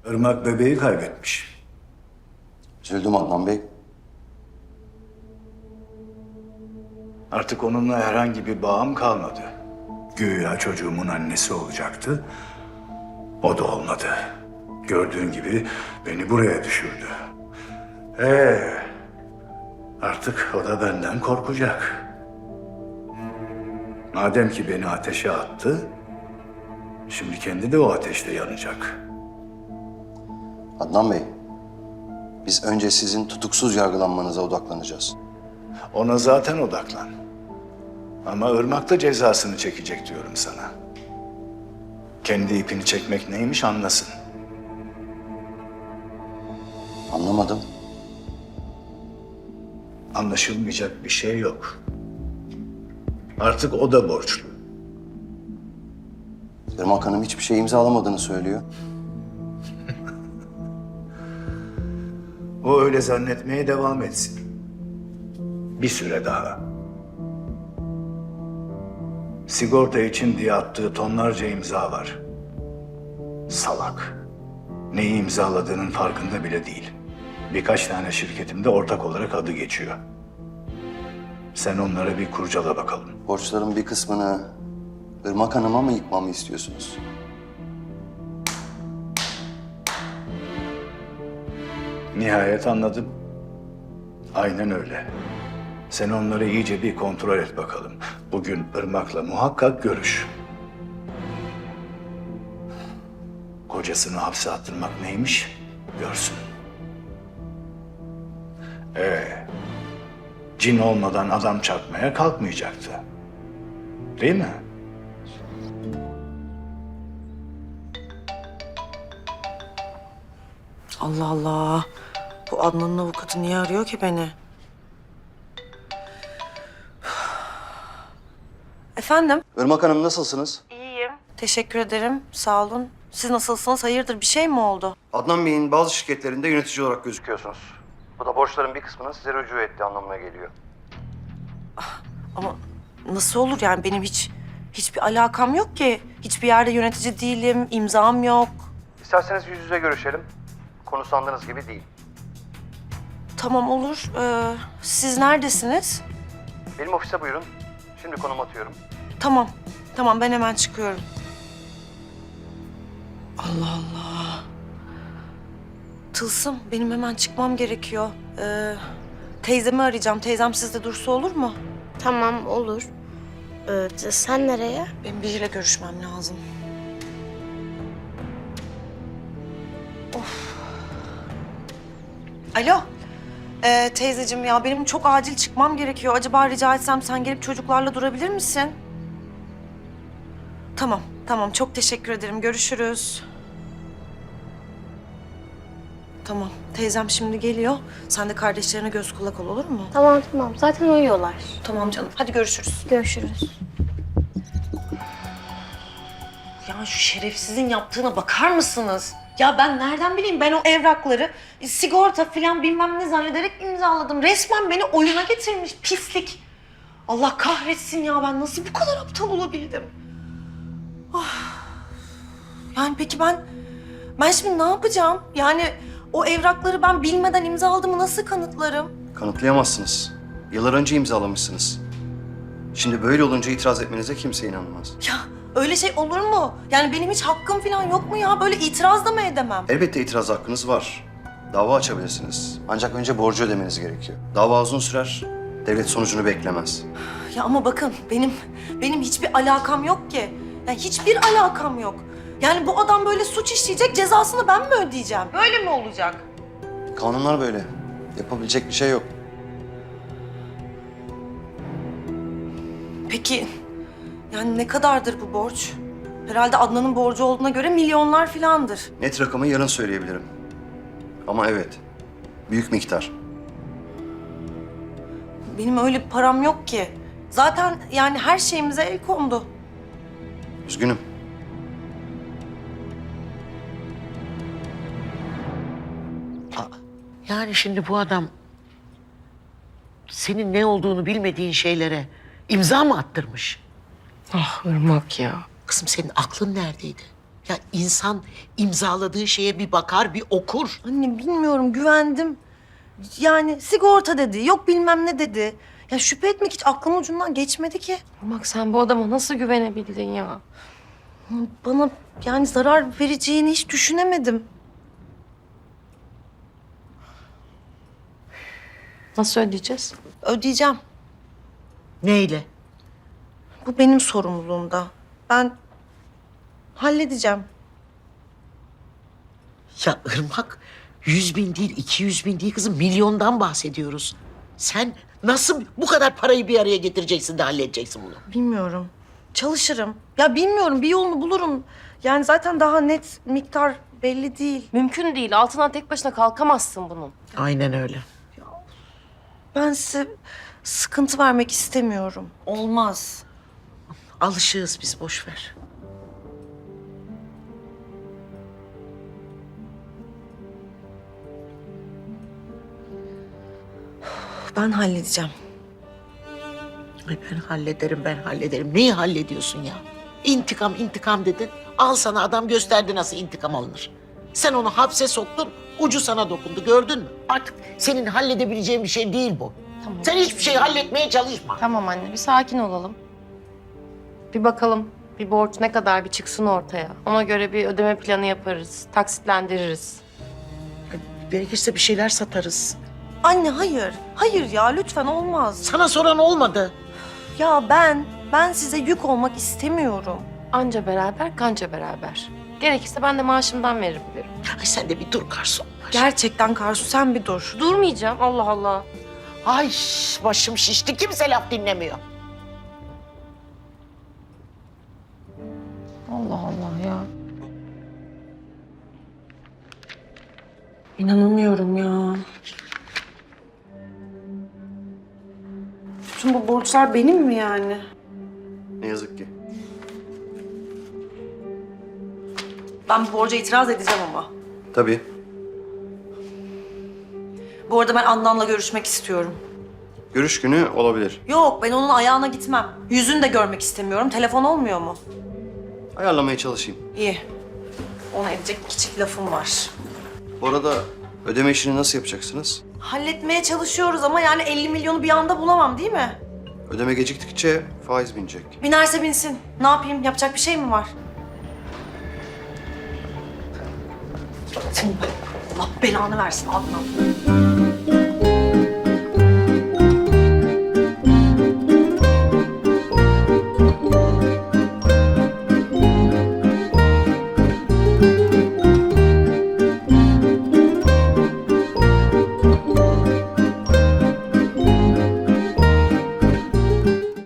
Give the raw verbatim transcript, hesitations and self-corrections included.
Irmak bebeği kaybetmiş. Üzüldüm Adnan Bey. Artık onunla herhangi bir bağım kalmadı. Güya çocuğumun annesi olacaktı. O da olmadı. Gördüğün gibi beni buraya düşürdü. Ee, artık o da benden korkacak. Madem ki beni ateşe attı, şimdi kendi de o ateşte yanacak. Adnan Bey, biz önce sizin tutuksuz yargılanmanıza odaklanacağız. Ona zaten odaklan. Ama Irmak da cezasını çekecek diyorum sana. Kendi ipini çekmek neymiş anlasın. Anlamadım. Anlaşılmayacak bir şey yok. Artık o da borçlu. Irmak Hanım hiçbir şey imzalamadığını söylüyor. O öyle zannetmeye devam etsin. Bir süre daha. Sigorta için diye attığı tonlarca imza var. Salak. Neyi imzaladığının farkında bile değil. Birkaç tane şirketimde ortak olarak adı geçiyor. Sen onlara bir kurcala bakalım. Borçların bir kısmını Irmak Hanım'a mı yıkmamı istiyorsunuz? Nihayet anladım. Aynen öyle. Sen onları iyice bir kontrol et bakalım. Bugün Irmak'la muhakkak görüş. Kocasını hapse attırmak neymiş görsün. Ee, cin olmadan adam çarpmaya kalkmayacaktı. Değil mi? Allah Allah. Bu Adnan'ın avukatı niye arıyor ki beni? Efendim? Irmak Hanım nasılsınız? İyiyim. Teşekkür ederim. Sağ olun. Siz nasılsınız? Hayırdır bir şey mi oldu? Adnan Bey'in bazı şirketlerinde yönetici olarak gözüküyorsunuz. Bu da borçların bir kısmını size rücu ettiği anlamına geliyor. Ama nasıl olur yani benim hiç hiçbir alakam yok ki. Hiçbir yerde yönetici değilim, imzam yok. İsterseniz yüz yüze görüşelim. Konu sandığınız gibi değil. Tamam olur. Ee, siz neredesiniz? Benim ofise buyurun. Şimdi konum atıyorum. Tamam. Tamam ben hemen çıkıyorum. Allah Allah. Tılsım benim hemen çıkmam gerekiyor. Ee, teyzemi arayacağım. Teyzem sizde dursa olur mu? Tamam olur. Ee, sen nereye? Benim biriyle görüşmem lazım. Of. Alo. Ee, teyzeciğim ya benim çok acil çıkmam gerekiyor. Acaba rica etsem sen gelip çocuklarla durabilir misin? Tamam, tamam. Çok teşekkür ederim. Görüşürüz. Tamam. Teyzem şimdi geliyor. Sen de kardeşlerine göz kulak ol olur mu? Tamam tamam. Zaten uyuyorlar. Tamam canım. Hadi görüşürüz. Görüşürüz. Ya şu şerefsizin yaptığına bakar mısınız? Ya ben nereden bileyim? Ben o evrakları e, sigorta falan bilmem ne zannederek imzaladım. Resmen beni oyuna getirmiş pislik. Allah kahretsin ya ben nasıl bu kadar aptal olabildim? Ah. Yani peki ben ben şimdi ne yapacağım? Yani o evrakları ben bilmeden imzaladığımı nasıl kanıtlarım? Kanıtlayamazsınız. Yıllar önce imzalamışsınız. Şimdi böyle olunca itiraz etmenize kimse inanmaz. Ya öyle şey olur mu? Yani benim hiç hakkım falan yok mu ya? Böyle itiraz da mı edemem? Elbette itiraz hakkınız var. Dava açabilirsiniz. Ancak önce borcu ödemeniz gerekiyor. Dava uzun sürer. Devlet sonucunu beklemez. Ya ama bakın benim benim hiçbir alakam yok ki. Ya hiçbir alakam yok. Yani bu adam böyle suç işleyecek, cezasını ben mi ödeyeceğim? Böyle mi olacak? Kanunlar böyle. Yapabilecek bir şey yok. Peki yani ne kadardır bu borç? Herhalde Adnan'ın borcu olduğuna göre milyonlar filandır. Net rakamı yarın söyleyebilirim. Ama evet, büyük miktar. Benim öyle bir param yok ki. Zaten yani her şeyimize el kondu. Üzgünüm. Yani şimdi bu adam senin ne olduğunu bilmediğin şeylere imza mı attırmış? Ah Irmak ya. Kızım senin aklın neredeydi? Ya insan imzaladığı şeye bir bakar, bir okur. Anne bilmiyorum, güvendim. Yani sigorta dedi, yok bilmem ne dedi. Ya şüphe etmek hiç aklımın ucundan geçmedi ki. Bak sen bu adama nasıl güvenebildin ya? Bana yani zarar vereceğini hiç düşünemedim. Nasıl ödeyeceğiz? Ödeyeceğim. Neyle? Bu benim sorumluluğumda. Ben halledeceğim. Ya Irmak, yüz bin değil, iki yüz bin değil kızım, milyondan bahsediyoruz. Sen nasıl bu kadar parayı bir araya getireceksin de halledeceksin bunu? Bilmiyorum. Çalışırım. Ya bilmiyorum, bir yolunu bulurum. Yani zaten daha net miktar belli değil. Mümkün değil. Altından tek başına kalkamazsın bunun. Aynen öyle. Ben size sıkıntı vermek istemiyorum. Olmaz. Alışığız biz, boş ver. Ben halledeceğim. Ay ben hallederim, ben hallederim. Neyi hallediyorsun ya? İntikam, intikam dedin. Al sana adam gösterdi nasıl intikam alınır. Sen onu hapse soktun, ucu sana dokundu, gördün mü? Artık senin halledebileceğin bir şey değil bu. Tamam. Sen hiçbir şey halletmeye çalışma. Tamam anne, bir sakin olalım. Bir bakalım bir borç ne kadar bir çıksın ortaya. Ona göre bir ödeme planı yaparız, taksitlendiririz. Gerekirse bir şeyler satarız. Anne hayır. Hayır ya, lütfen, olmaz. Sana soran olmadı. Ya ben, ben size yük olmak istemiyorum. Anca beraber, kanca beraber. Gerekirse ben de maaşımdan verebilirim. Ay sen de bir dur garson. Gerçekten Karsu, sen bir dur. Durmayacağım, Allah Allah. Ay başım şişti, kimse laf dinlemiyor. Allah Allah ya. İnanamıyorum ya. Bütün bu borçlar benim mi yani? Ne yazık ki. Ben bu borca itiraz edeceğim ama. Tabii. Bu arada ben Adnan'la görüşmek istiyorum. Görüş günü olabilir. Yok, ben onun ayağına gitmem. Yüzünü de görmek istemiyorum. Telefon olmuyor mu? Ayarlamaya çalışayım. İyi. Ona edecek küçük lafım var. Bu arada ödeme işini nasıl yapacaksınız? Halletmeye çalışıyoruz ama yani elli milyonu bir anda bulamam değil mi? Ödeme geciktikçe faiz binecek. Binerse binsin. Ne yapayım? Yapacak bir şey mi var? Allah belanı versin Adnan.